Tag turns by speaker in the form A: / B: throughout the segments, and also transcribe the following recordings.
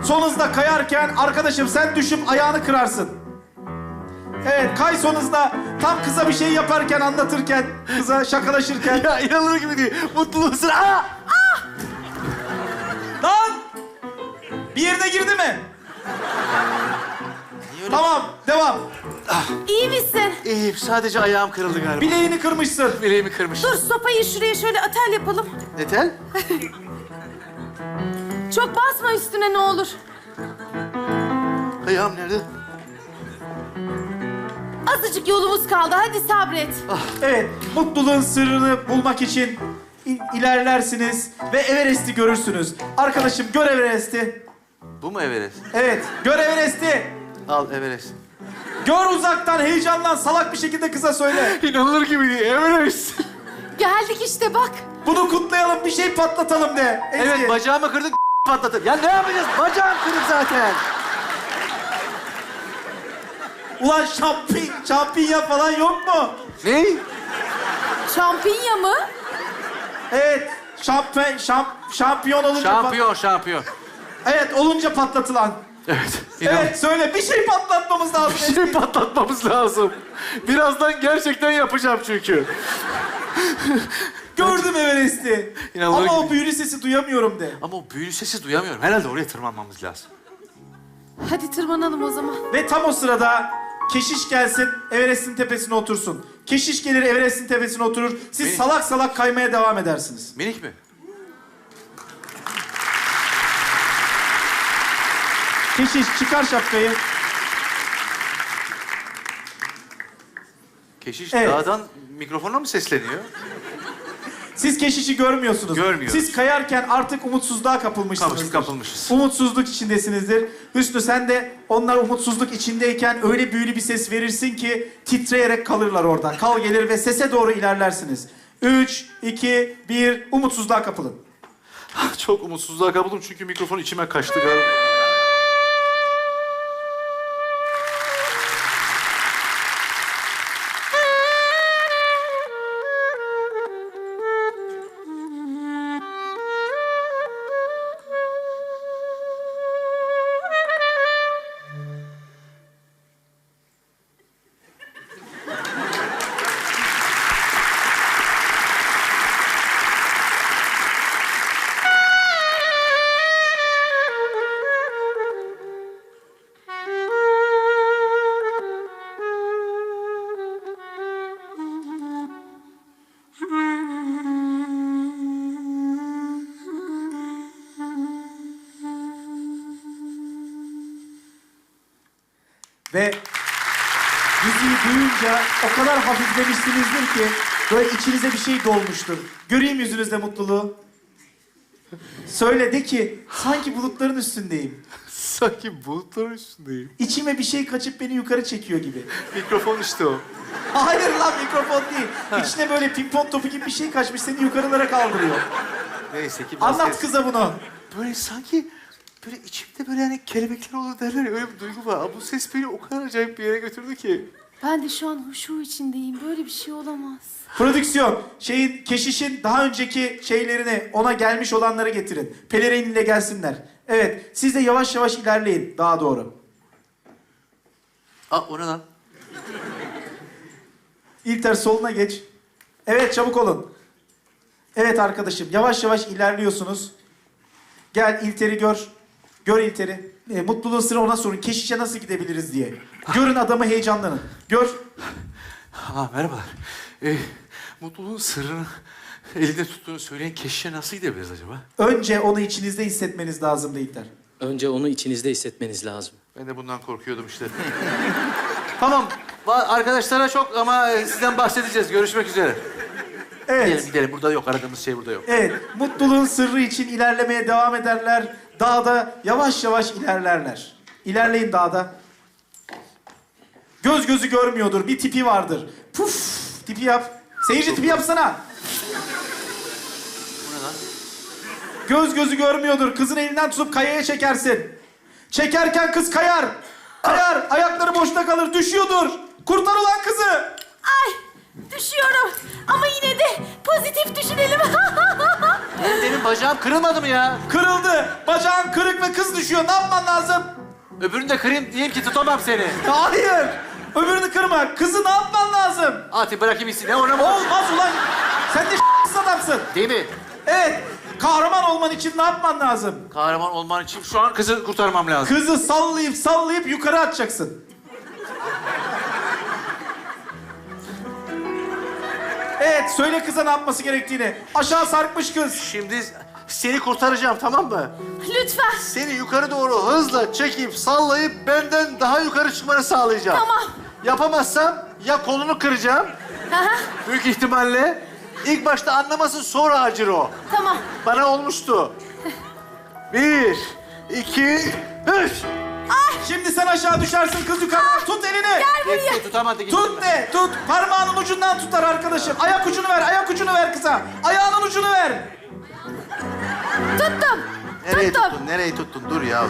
A: Son hızda kayarken arkadaşım sen düşüp ayağını kırarsın. Evet, kay son hızda. Tam kıza bir şey yaparken, anlatırken, kıza şakalaşırken.
B: Ya inanılır gibi değil. Mutluluğun sıra... Aa!
A: Lan! Bir yerine girdi mi? Tamam, devam.
C: İyi misin?
B: İyiyim. Sadece ayağım kırıldı galiba.
A: Bileğini kırmışsın.
B: Bileğimi kırmış.
C: Dur sopayı şuraya şöyle atel yapalım.
B: Ne tel?
C: Çok basma üstüne ne olur.
B: Ayağım nerede?
C: Azıcık yolumuz kaldı. Hadi sabret.
A: Evet, mutluluğun sırrını bulmak için ilerlersiniz ve Everest'i görürsünüz. Arkadaşım gör Everest'i.
B: Bu mu Everest?
A: Evet, gör Everest'i.
B: Al Everest.
A: Gör uzaktan, heyecanlan, salak bir şekilde kıza söyle.
B: İnanılır gibi değil. Everest.
C: Geldik işte bak.
A: Bunu kutlayalım, bir şey patlatalım de. Ezgi.
B: Evet, bacağımı kırdık, patlatır. Ya ne yapacağız? Bacağım kırık zaten.
A: Ulan şampinya falan yok mu?
B: Ne?
C: Şampinya mı?
A: Evet, şampiyon olunca...
B: Şampiyon.
A: Evet, olunca patlatılan.
B: Evet.
A: Evet, söyle, bir şey patlatmamız lazım.
B: Bir şey patlatmamız lazım. Birazdan gerçekten yapacağım çünkü.
A: Gördüm Everest'i.
B: İnanılır
A: Ama o
B: gibi.
A: büyülü sesi duyamıyorum de.
B: Ama o büyülü sesi duyamıyorum. Herhalde oraya tırmanmamız lazım.
C: Hadi tırmanalım o zaman.
A: Ve tam o sırada keşiş gelsin, Everest'in tepesine otursun. Keşiş gelir, Everest'in tepesine oturur. Siz
B: Beni-
A: salak salak kaymaya devam edersiniz.
B: Minik mi?
A: Keşiş çıkar şapkayı.
B: Keşiş
A: Evet.
B: dağdan mikrofona mı sesleniyor?
A: Siz keşişi görmüyorsunuz.
B: Görmüyoruz.
A: Siz kayarken artık umutsuzluğa kapılmışsınızdır.
B: Kapılmışız.
A: Umutsuzluk içindesinizdir. Hüsnü sen de onlar umutsuzluk içindeyken öyle büyülü bir ses verirsin ki titreyerek kalırlar orada. Kal gelir ve sese doğru ilerlersiniz. 3, 2, 1, umutsuzluğa kapılın.
B: Çok umutsuzluğa kapıldım çünkü mikrofon içime kaçtı galiba.
A: Ve müziği duyunca o kadar hafiflemişsinizdir ki böyle içinize bir şey dolmuştur. Göreyim yüzünüzde mutluluğu. Söyle de ki sanki bulutların üstündeyim.
B: Sanki bulutların üstündeyim.
A: İçime bir şey kaçıp beni yukarı çekiyor gibi.
B: Mikrofon işte o.
A: Hayır lan mikrofon değil. İçine böyle pimpon topu gibi bir şey kaçmış seni yukarılara kaldırıyor.
B: Neyse ki...
A: Anlat kıza bunu.
B: Böyle sanki... Böyle içimde böyle hani kelebekler olur derler ya, öyle bir duygu var. Bu ses beni o kadar acayip bir yere götürdü ki.
C: Ben de şu an huşu içindeyim. Böyle bir şey olamaz.
A: Prodüksiyon, keşişin daha önceki şeylerini, ona gelmiş olanları getirin. Pelerinle gelsinler. Evet, siz de yavaş yavaş ilerleyin daha doğru.
B: Aa, o ne lan?
A: İlter soluna geç. Evet, çabuk olun. Evet arkadaşım, yavaş yavaş ilerliyorsunuz. Gel İlter'i gör. Gör İlter'i. Mutluluğun sırrı ona sorun. Keşişe nasıl gidebiliriz diye. Görün adamı, heyecanlanın. Gör.
B: Ha, merhabalar. Mutluluğun sırrını elinde tuttuğunu söyleyen keşişe nasıl gidebiliriz acaba?
A: Önce onu içinizde hissetmeniz lazımdı İlter.
D: Önce onu içinizde hissetmeniz lazım.
B: Ben de bundan korkuyordum işte. Tamam. Arkadaşlara çok ama sizden bahsedeceğiz. Görüşmek üzere.
A: Evet.
B: Gidelim. Burada yok. Aradığımız şey burada yok.
A: Evet, mutluluğun sırrı için ilerlemeye devam ederler. Dağda yavaş yavaş ilerlerler. İlerleyin dağda. Göz gözü görmüyordur, bir tipi vardır. Puf, tipi yap. Seyirci tipi yapsana.
B: Bu ne lan?
A: Göz gözü görmüyordur, kızın elinden tutup kayaya çekersin. Çekerken kız kayar. Kayar, ayakları boşta kalır, düşüyordur. Kurtar ulan kızı.
C: Ay düşüyorum. Ama yine de pozitif düşünelim.
B: Benim bacağım kırılmadı mı ya?
A: Kırıldı. Bacağın kırık ve kız düşüyor. Ne yapman lazım?
B: Öbürünü de kırayım diyeyim ki tutamam seni.
A: Hayır. Öbürünü kırma. Kızı ne yapman lazım?
B: Ati bırakayım gitsin. Ne ona mı?
A: Olmaz ulan. Sen de adamsın.
B: Değil mi?
A: Evet. Kahraman olman için ne yapman lazım?
B: Kahraman olman için şu an kızı kurtarmam lazım.
A: Kızı sallayıp yukarı atacaksın. Evet, söyle kıza ne yapması gerektiğini. Aşağı sarkmış kız.
B: Şimdi seni kurtaracağım, tamam mı?
C: Lütfen.
B: Seni yukarı doğru hızla çekip sallayıp benden daha yukarı çıkmanı sağlayacağım.
C: Tamam.
B: Yapamazsam ya kolunu kıracağım.
C: Aha,
B: Büyük ihtimalle. İlk başta anlamasın, sonra acır o.
C: tamam.
B: Bana olmuştu. 1, 2, 3.
A: Şimdi sen aşağı düşersin, kız yukarı. Tut elini.
C: Gel buraya.
B: Gitti, tutamadı, gitti.
A: Tut de, tut. Parmağının ucundan tutar arkadaşım. Ayak ucunu ver kıza. Ayağının ucunu ver.
C: Tuttum.
B: Nereye
C: Tuttum.
B: tuttun, nereye tuttun? Dur ya.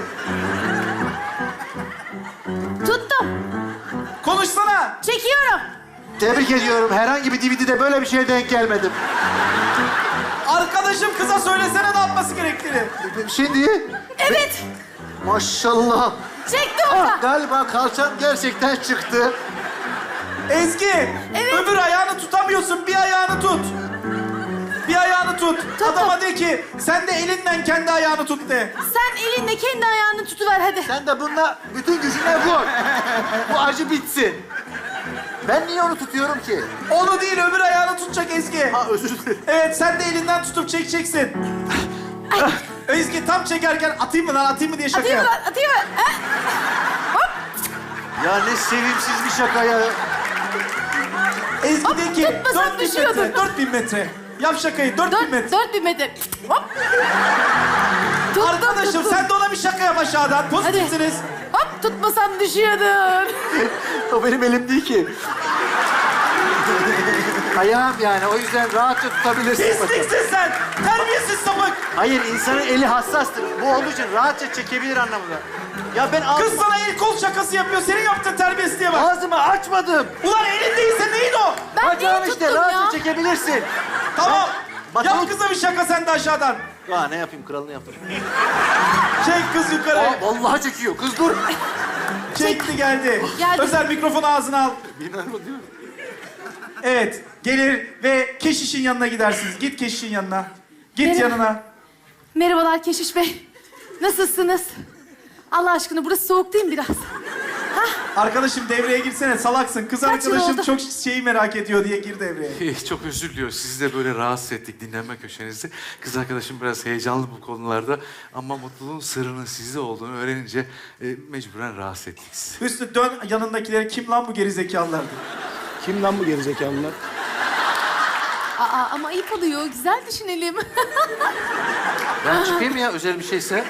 C: Tuttum.
A: Konuşsana.
C: Çekiyorum.
B: Tebrik ediyorum. Herhangi bir DVD'de böyle bir şeye denk gelmedim.
A: Arkadaşım kıza söylesene ne yapması gerektiğini.
B: Şimdi
C: Evet.
B: maşallah.
C: Çektim onu.
B: Galiba kalçam gerçekten çıktı.
A: Ezgi,
C: Evet.
A: öbür ayağını tutamıyorsun. Bir ayağını tut. Bir ayağını tut.
C: Tuttum.
A: Adama de ki, sen de elinden kendi ayağını tut de.
C: Sen elinde kendi ayağını tutuver hadi.
B: Sen de bununla bütün gücüne vur. Bu acı bitsin. Ben niye onu tutuyorum ki?
A: Onu değil, öbür ayağını tutacak Ezgi.
B: Ha, özür dilerim.
A: Evet, sen de elinden tutup çekeceksin. Ezgi tam çekerken atayım mı diye şaka
C: Atayım mı
A: yap.
C: lan? Atayım mı? Ha?
B: Ya ne sevimsiz bir şaka ya.
A: Ezgi
C: Hop,
A: de ki,
C: tutmasam
A: 4000
C: düşüyordum.
A: metre, 4000 metre. Yap şakayı, 4000 metre.
C: 4000 metre. Hop. Tuttum,
A: Arkadaşım
C: tuttum.
A: sen de ona bir şaka yap aşağıdan. Pozitifsiniz.
C: Hop tutmasam düşüyordun.
B: O benim elim değil ki. Ayağım yani. O yüzden rahatça tutabilirsin.
A: Pisliksin sen. Terbiyesiz sapık.
B: Hayır, insanın eli hassastır. Bu olduğu için rahatça çekebilir anlamında. Ya ben
A: Kız sana el kol şakası yapıyor. Senin yaptığın terbiyesizliğe bak.
B: ağzımı açmadım.
A: Ulan elin değilse neyin o?
C: Ben
B: Bacağım
C: neyi
B: işte,
C: tuttum
B: rahatça
C: ya?
B: çekebilirsin.
A: Tamam.
B: Bak-
A: Yap kıza bir şaka sen de aşağıdan.
B: Ya ne yapayım, kralını yaptım.
A: Çek kız yukarı.
B: Aa, vallahi çekiyor. Kız dur.
A: Çekti geldi.
C: Geldi.
A: Özel mikrofonu ağzına al.
B: İnanılmaz değil mi?
A: Evet. Gelir ve keşişin yanına gidersiniz. Git keşişin yanına. Git
C: Merhaba.
A: yanına.
C: Merhabalar Keşiş Bey. Nasılsınız? Allah aşkına burası soğuk değil mi biraz?
A: Arkadaşım devreye girsene. Salaksın. Kız
C: Kaç yıl
A: arkadaşım
C: oldu?
A: çok şeyi merak ediyor diye gir devreye.
B: Çok özür diliyoruz. Sizi de böyle rahatsız ettik dinlenme köşenizde. Kız arkadaşım biraz heyecanlı bu konularda. Ama mutluluğun sırrının sizde olduğunu öğrenince mecburen rahatsız ettik sizi.
A: Hüsnü dön yanındakilere. Kim lan bu gerizekalılar?
E: Kim lan bu gerizekalılar?
C: Aa ama ayıp oluyor. Güzel düşünelim.
B: Ben çıkayım ya, özel bir şeyse.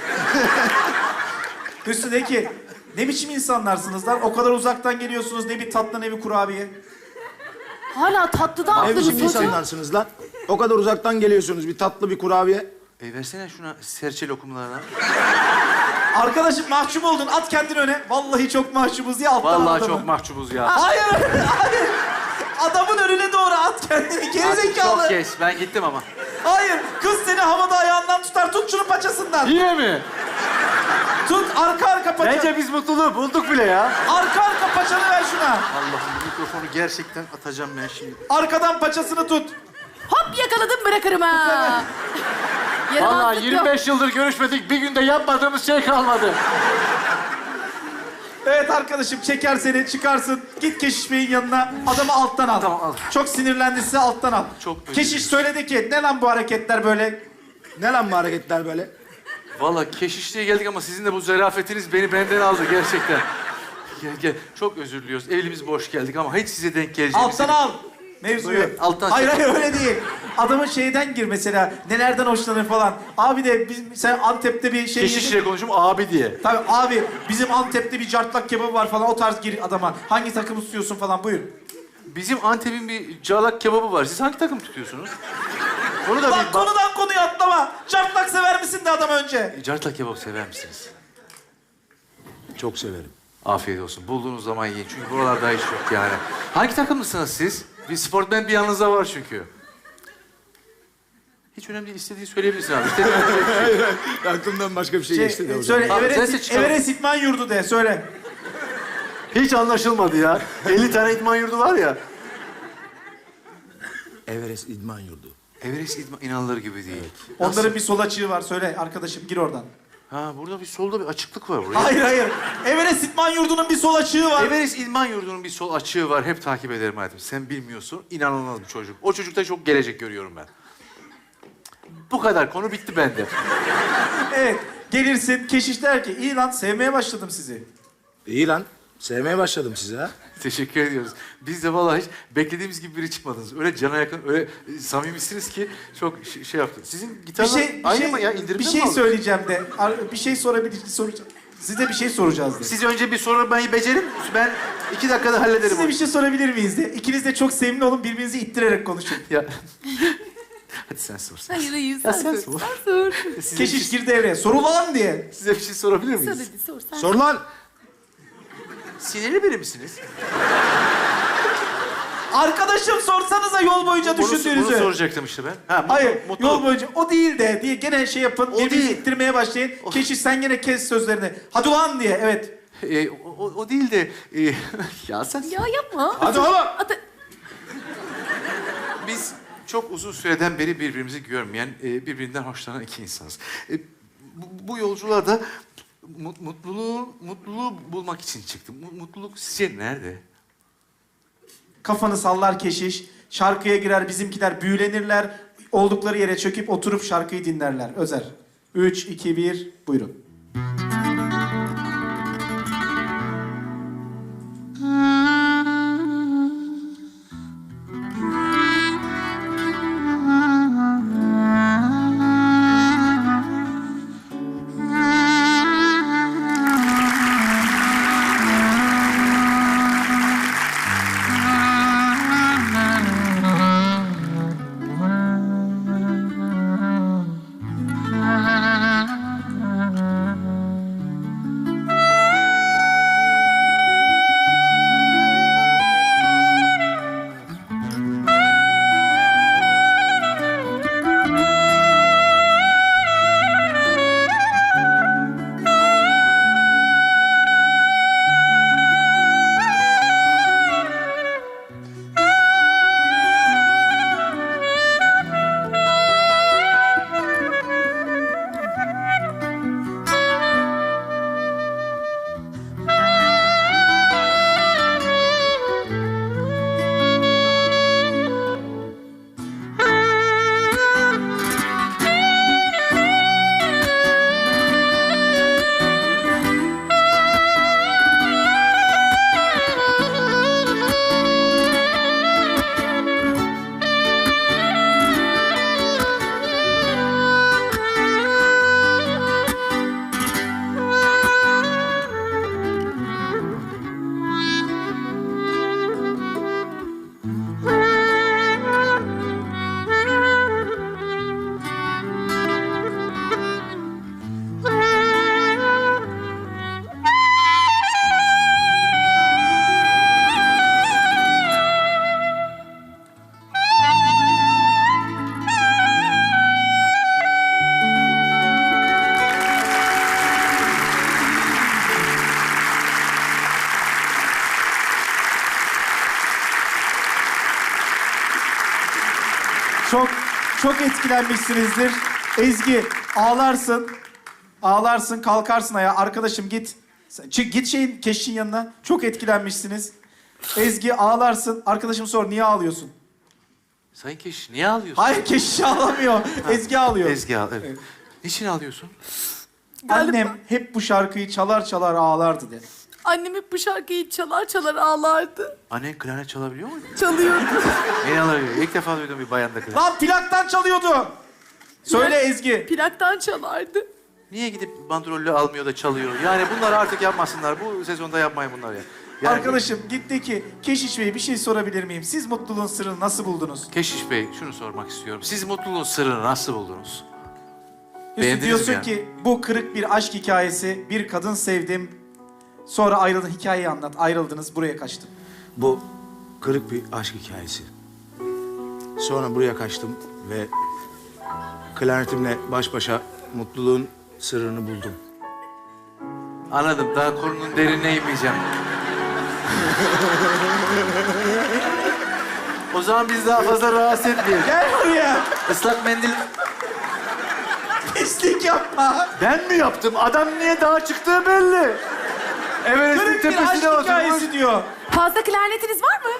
A: Hüsnü de ki, ne biçim insanlarsınız lan? O kadar uzaktan geliyorsunuz. Ne bir tatlı ne bir kurabiye.
C: Hala tatlıdan
E: Ne
C: aldınız
E: biçim
C: çocuğu.
E: insanlarsınız lan? O kadar uzaktan geliyorsunuz, bir tatlı bir kurabiye.
B: Versene şuna serçe lokumlarına.
A: Arkadaşım mahcup oldun. At kendini öne. Vallahi çok mahcubuz ya alttan
B: Vallahi
A: adamı.
B: çok mahcubuz ya.
A: Hayır, hayır. Adamın önüne doğru at kendini. Gerizekalı.
B: Çok kes. Ben gittim ama.
A: Hayır. Kız seni havada ayağından tutar. Tut şunu paçasından.
B: Yine mi?
A: Tut arka paça.
B: Bence biz mutluluğu bulduk bile ya.
A: Arka paçanı ver şuna.
B: Allah'ım, bu mikrofonu gerçekten atacağım ben şimdi.
A: Arkadan paçasını tut.
C: Hop yakaladım bırakırım ha. Yaramazlık
B: Vallahi
C: yok.
B: 25 yıldır görüşmedik, bir günde yapmadığımız şey kalmadı.
A: Evet arkadaşım çeker seni çıkarsın. Git Keşiş Bey'in yanına. Adamı alttan al.
B: Tamam, al.
A: Çok sinirlendi size alttan al.
B: Çok özür
A: Keşiş söyledi ki ne lan bu hareketler böyle?
E: Ne lan bu hareketler böyle?
B: Vallahi keşişliğe geldik ama sizin de bu zarafetiniz beni benden aldı gerçekten. Gel. Çok özür diliyoruz. Evimiz boş geldik ama hiç size denk geleceğimizi...
A: Alttan al. Mevzuyu.
B: Buyur, alttan
A: hayır
B: çek.
A: hayır öyle değil. Adamın şeyden gir mesela. Nelerden hoşlanır falan. Abi de sen Antep'te bir şey...
B: Keşişle konuşum abi diye.
A: Tabii abi bizim Antep'te bir cartlak kebabı var falan. O tarz gir adama. Hangi takımı tutuyorsun falan buyur.
B: Bizim Antep'in bir cağlak kebabı var. Siz hangi takım tutuyorsunuz? Onu da
A: Bak
B: bir...
A: konudan konuya atlama. Cartlak sever misin de adam önce.
B: Cartlak kebap sever misiniz?
E: Çok severim.
B: Afiyet olsun. Bulduğunuz zaman yiyin. Çünkü buralarda hiç yok yani. Hangi takımlısınız siz? Bir sportmen bir yanınızda var çünkü. Hiç önemli değil. İstediğini söyleyebilirsin abi. İstediğini söyleyebilirsin.
E: Aklımdan başka bir şey geçti de hocam.
A: Söyle,
B: Abi,
A: Everest,
B: sensin çıkalım.
A: Everest İdman Yurdu de, söyle.
F: Hiç anlaşılmadı ya. 50 tane idman yurdu var ya.
E: Everest İdman Yurdu.
B: Everest idman inanılır gibi değil.
A: Onların bir sol açığı var, söyle arkadaşım, gir oradan.
B: Ha burada bir solda bir açıklık var buraya.
A: Hayır, hayır. Everest İdman Yurdu'nun bir sol açığı var.
B: Everest İdman Yurdu'nun bir sol açığı var. Hep takip ederim hayatım. Sen bilmiyorsun. İnanılmaz bir çocuk. O çocukta çok gelecek görüyorum ben. Bu kadar. Konu bitti bende.
A: Evet, gelirsin, keşiş der ki, iyi lan sevmeye başladım sizi.
E: İyi lan. Sevmeye başladım sizi ha.
B: Teşekkür ediyoruz. Biz de vallahi hiç beklediğimiz gibi biri çıkmadınız. Öyle cana yakın, öyle samimisiniz ki çok şey yaptı. Sizin gitarlar aynı mı ya? İndirimde
A: bir
B: mi
A: şey
B: aldınız?
A: söyleyeceğim de. Bir şey soracağım. Size bir şey soracağız de.
B: Siz önce bir sormayı becerin. Ben 2 dakikada hallederim
A: Size
B: onu.
A: bir şey sorabilir miyiz de? İkiniz de çok sevimli olun, birbirinizi ittirerek konuşun.
B: Ya. Hadi sen sor. Sen.
C: Hayır hayır
B: Ya
C: sen
B: sen
C: sor.
B: sor.
C: Sen sor.
B: Size,
A: Keşiş gir devreye. Soru lan diye.
B: size bir şey sorabilir
C: Sor
B: miyiz?
C: hadi sor. Sen
E: Sor lan.
B: Sinirli biri misiniz?
A: Arkadaşım sorsanıza yol boyunca
B: Bunu
A: düşündüğünüzü.
B: soracaktım işte ben. Ha,
A: Hayır,
B: mutlu.
A: yol boyunca o değil de diye gene şey yapın.
B: O
A: Birbirinizi
B: değil.
A: ittirmeye başlayın. Keşiş sen gene kes sözlerini. Hadi ulan diye, evet.
B: O değil de... ya sen...
C: Ya yapma.
E: Hadi oğlum.
C: Hadi.
B: Biz çok uzun süreden beri birbirimizi görmeyen, birbirinden hoşlanan iki insanız. Bu yolculuğa da mutluluğu bulmak için çıktım. Mutluluk sizce nerede?
A: Kafanı sallar keşiş. Şarkıya girer, bizimkiler büyülenirler. Oldukları yere çöküp oturup şarkıyı dinlerler. Özer. 3, 2, 1, buyurun. Çok etkilenmişsinizdir. Ezgi, ağlarsın. Ağlarsın, kalkarsın ayağa. Arkadaşım git. Git keşişin yanına. Çok etkilenmişsiniz. Ezgi, ağlarsın. Arkadaşım sor, niye ağlıyorsun?
B: Sayın Keşiş niye ağlıyorsun?
A: Hayır, keşiş ağlamıyor. Ezgi ağlıyor.
B: Ezgi ağlıyor. Evet. Niçin ağlıyorsun?
A: Annem hep bu şarkıyı çalar çalar ağlardı de.
C: Annem hep bu şarkıyı çalar çalar ağlardı.
B: Annen klarnet çalabiliyor mu?
C: Çalıyordu.
B: İnanılmıyor. İlk defa duydum bir bayanda klarnet.
A: Lan plaktan çalıyordu. Söyle Ezgi.
C: Plaktan çalardı.
B: Niye gidip bandrollü almıyor da çalıyor? Yani bunları artık yapmasınlar. Bu sezonda yapmayın bunları ya. Yani,
A: Arkadaşım gitti ki Keşiş Bey bir şey sorabilir miyim? Siz mutluluğun sırrını nasıl buldunuz?
B: Keşiş Bey şunu sormak istiyorum. Siz mutluluğun sırrını nasıl buldunuz?
A: Yusuf,
B: Beğendiniz
A: diyorsun
B: mi yani?
A: ki bu kırık bir aşk hikayesi, bir kadın sevdim. Sonra ayrıldın, hikayeyi anlat. Ayrıldınız, buraya kaçtım.
E: Bu kırık bir aşk hikayesi. Sonra buraya kaçtım ve klarnetimle baş başa mutluluğun sırrını buldum.
B: Anladım. Daha konunun derinine inmeyeceğim. O zaman biz daha fazla rahatsız etmeyelim.
A: Gel buraya.
B: Islak mendil...
A: Pislik yapma.
F: Ben mi yaptım? Adam niye dağa çıktığı belli. Everest'in
A: Kırık bir aşk
F: tepesine oturmuş.
A: hikayesi diyor.
C: Fazla klarnetiniz var mı?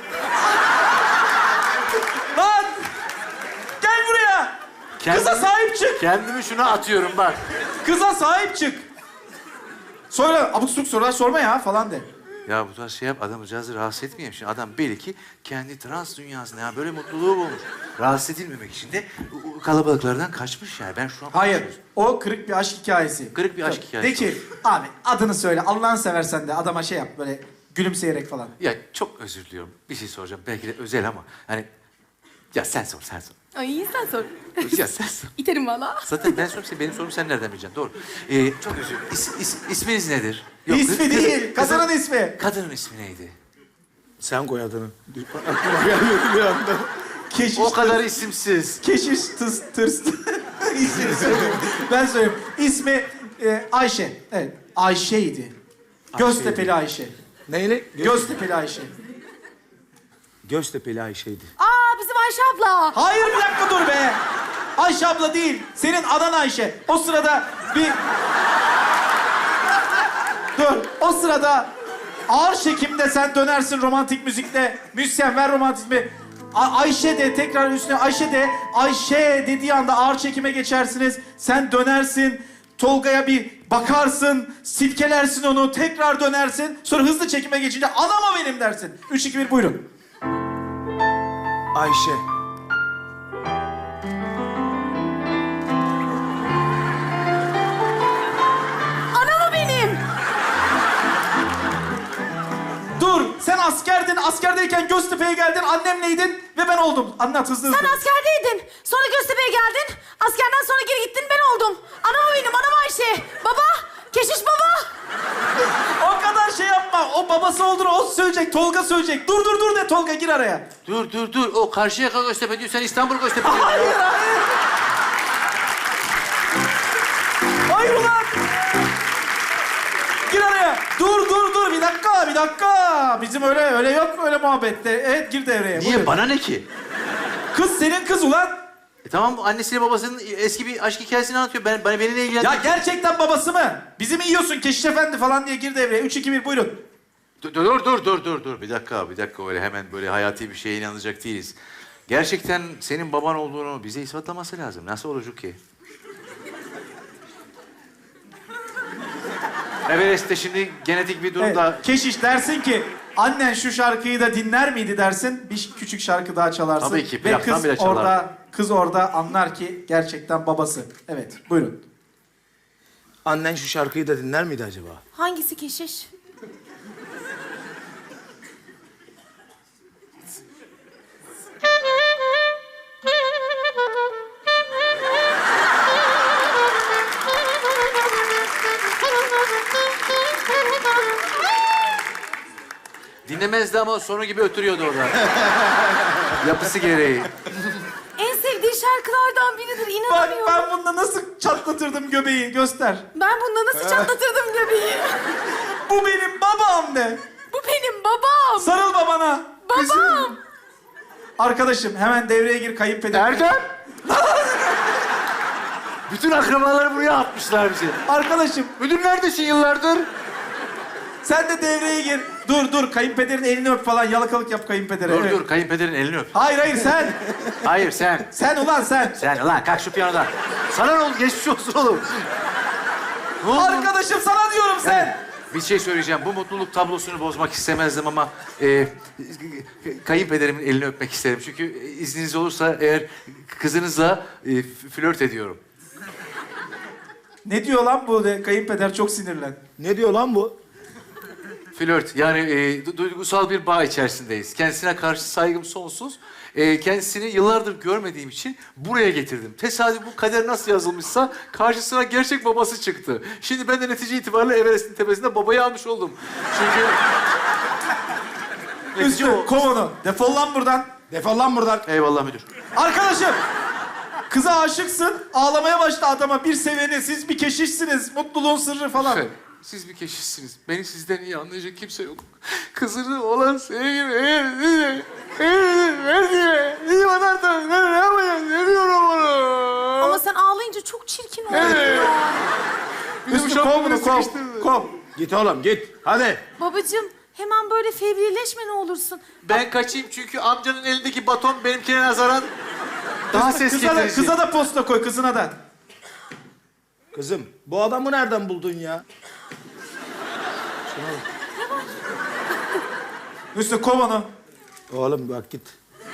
A: Lan! Gel buraya. Kıza sahip çık.
F: Kendimi şuna atıyorum bak.
A: Kıza sahip çık. Sonra abuk subuk sorular sorma ya falan de.
B: Ya bu tarz şey yap, adamcağızı rahatsız etmeyeyim. Şimdi adam belli ki kendi trans dünyasında ya böyle mutluluğu bulmuş. Rahatsız edilmemek için de o kalabalıklardan kaçmış yani. Ben şu an...
A: Hayır. O kırık bir aşk hikayesi.
B: Kırık bir aşk hikayesi.
A: De ki abi adını söyle. Allah'ını seversen de adama şey yap böyle gülümseyerek falan.
B: Ya çok özür diliyorum. Bir şey soracağım. Belki de özel ama hani... Ya sen sor, sen sor.
C: Ay sen sor.
B: Ya sen sor.
C: İterim valla.
B: Zaten ben sorayım, benim sorum sen nereden bileceksin? Doğru. Çok özür dilerim. İsminiz nedir?
A: İsmi
B: kız-
A: değil.
B: kızın-
A: Kadının ismi.
B: Kadının ismi neydi?
E: Sen koy adını. Aklıma gelmedi bir anda.
A: Keşiş.
B: O kadar isimsiz.
A: Keşiş tırs. İsmini söyleyeyim. Ben söyleyeyim. İsmi Ayşe. Evet. Ayşe'ydi. Göztepe'li Ayşe.
E: Neyle?
A: Göztepe'li Ayşe.
E: Göztepe'li Ayşe'ydi.
C: Aa bizim Ayşe abla.
A: Hayır bir dakika dur be. Ayşe abla değil. Senin adan Ayşe. O sırada bir... Dur. O sırada ağır çekimde sen dönersin romantik müzikle. Müzisyen ver romantizmi. Ayşe de tekrar üstüne Ayşe de. Ayşe dediği anda ağır çekime geçersiniz. Sen dönersin. Tolga'ya bir bakarsın. Silkelersin onu. Tekrar dönersin. Sonra hızlı çekime geçince anam o benim dersin. 3, 2, 1 buyurun.
E: Ayşe.
C: Anam o benim.
A: Dur, sen askerdin. Askerdeyken Göztepe'ye geldin. Annemleydin ve ben oldum. Anlat hızlı hızlı.
C: Sen askerdeydin. Sonra Göztepe'ye geldin. Askerden sonra geri gittin ben oldum. Anam o benim. Anam Ayşe. Baba. Keşiş baba.
A: O kadar şey yapma. O babası olduğunu o söyleyecek. Tolga söyleyecek. Dur de Tolga gir araya.
B: Dur. O Karşıyaka Göztepe diyor, sen İstanbul Göztepe diyorsun.
A: Hayır. Hayır ulan. Gir araya. Dur. Bir dakika. Bizim öyle yok öyle muhabbette. Evet gir devreye.
B: Niye?
A: Buyur.
B: Bana ne ki?
A: Kız senin kız ulan.
B: Tamam, annesiyle babasının eski bir aşk hikayesini anlatıyor. Beni ne
A: Ya
B: ilgilendirmiyor?
A: gerçekten babası mı? Bizi mi yiyorsun Keşiş Efendi falan diye gir devreye. 3, 2, 1 buyurun.
B: Dur. Bir dakika. Öyle hemen böyle hayati bir şeye inanacak değiliz. Gerçekten senin baban olduğunu bize ispatlaması lazım. Nasıl olacak ki? Everest'te şimdi genetik bir durumda...
A: Evet, Keşiş dersin ki annen şu şarkıyı da dinler miydi dersin. Bir küçük şarkı daha çalarsın.
B: Tabii ki,
A: Ve
B: plaktan
A: kız
B: bile çalardım.
A: kız orada anlar ki gerçekten babası. Evet buyurun.
E: Annen şu şarkıyı da dinler miydi acaba?
C: Hangisi keşiş?
B: Dinlemezdi ama sonu gibi ötürüyordu orada. Yapısı gereği.
C: En sevdiği şarkılardan biridir.
A: Bak
C: İnanamıyorum.
A: ben bunda nasıl çatlatırdım göbeği göster.
C: Ben bunda nasıl çatlatırdım göbeği?
A: Bu benim babam de.
C: Bu benim babam.
A: Sarıl babana.
C: Babam.
A: Arkadaşım hemen devreye gir kayınpeder.
F: Erdem! Bütün akrabaları buraya atmışlar bizi.
A: Arkadaşım
F: Müdür neredesin yıllardır?
A: sen de devreye gir. Dur kayınpederin elini öp falan yalakalık yap kayınpedere. Evet.
B: Dur, kayınpederin elini öp.
A: Hayır sen.
B: Hayır sen.
A: Sen ulan sen.
B: Sen ulan kalk şu piyanodan.
F: Sana ne oldu? Geçmiş olsun oğlum.
B: Ne oldu?
A: Arkadaşım sana diyorum sen.
B: Bir şey söyleyeceğim. Bu mutluluk tablosunu bozmak istemezdim ama... kayınpederimin elini öpmek isterim. Çünkü izniniz olursa eğer kızınızla flört ediyorum.
A: Ne diyor lan bu de? Kayınpeder çok sinirlen.
E: Ne diyor lan bu?
B: Flört yani duygusal bir bağ içerisindeyiz. Kendisine karşı saygım sonsuz. Kendisini yıllardır görmediğim için buraya getirdim. Tesadüf bu kader nasıl yazılmışsa karşısına gerçek babası çıktı. Şimdi ben de netice itibariyle Everest'in tepesinde babayı almış oldum. Çünkü...
A: Üstü kov onu. Defol lan buradan.
E: Defol lan buradan.
B: Eyvallah müdür.
A: Arkadaşım. Kıza aşıksın, ağlamaya başla adama. Bir seveni, siz bir keşişsiniz, mutluluğun sırrı falan.
B: Efendim, siz bir keşişsiniz. Beni sizden iyi anlayacak kimse yok. Kızını olan sevgimi eğer size verdiğime iyi bakarsanız ben ne yapacağım? Ne diyorum onu?
C: Ama sen ağlayınca çok çirkin oldun
B: Evet.
C: ya.
A: Üstü kov bunu, kov. Kov.
E: Git oğlum git. Hadi.
C: Babacığım hemen böyle fevrileşme ne olursun.
B: Ben kaçayım çünkü amcanın elindeki baton benimkine nazaran daha ses
A: Kıza da,
B: getirici.
A: kıza da posta koy, kızına da.
E: Kızım bu adamı nereden buldun ya?
A: Üstü kov onu.
E: Oğlum bak git.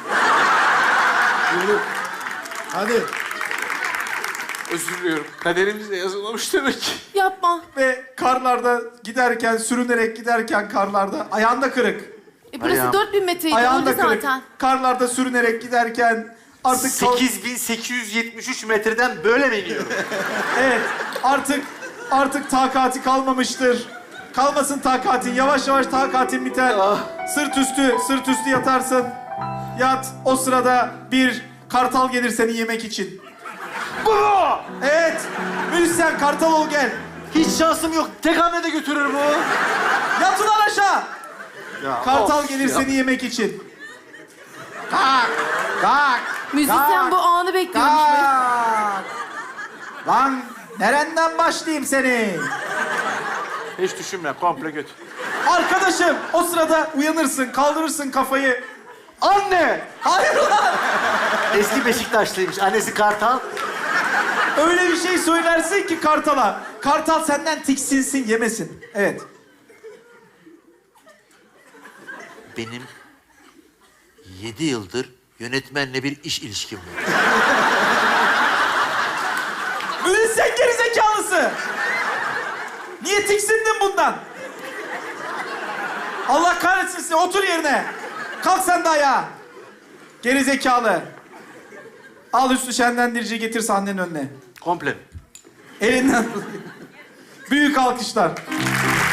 E: Yürü. Hadi.
B: Özür diliyorum. Kaderimizde yazılmamış demek ki.
C: Yapma.
A: Ve karlarda giderken, sürünerek giderken karlarda, ayağında kırık.
C: Burası
B: Ayağım.
C: 4000 metreydi.
A: Ayağında
C: Öldü
A: kırık.
C: zaten.
A: Karlarda sürünerek giderken artık...
B: 8873 metreden böyle mi iniyorum?
A: Evet, artık takati kalmamıştır. Kalmasın takatin, yavaş yavaş takatin biter. Sırt üstü yatarsın. Yat, o sırada bir kartal gelir seni yemek için.
B: Bu!
A: Evet, müzisyen kartal ol gel.
B: Hiç şansım yok. Tek hamlede götürür bu.
A: Yat ulan aşağı. Kartal
B: of
A: gelir
B: ya.
A: seni yemek için. Kalk, kalk.
C: Müzisyen bu anı bekliyormuş. böyle.
A: Kalk. Lan nereden başlayayım seni?
B: Hiç düşünme. Komple götür.
A: Arkadaşım o sırada uyanırsın, kaldırırsın kafayı.
B: Anne!
A: Hayır ulan!
B: Eski Beşiktaşlıymış. Annesi Kartal.
A: Öyle bir şey söylersin ki kartala. Kartal senden tiksinsin, yemesin. Evet.
G: Benim 7 yıldır yönetmenle bir iş ilişkim var.
A: Müzisyen gerizekalısı. Niye tiksindin bundan? Allah kahretsin seni. Otur yerine. Kalk sen de ayağa. Gerizekalı. Al üstü şenlendirici getir sahnenin önüne.
B: Komple.
A: Elinden. Büyük alkışlar.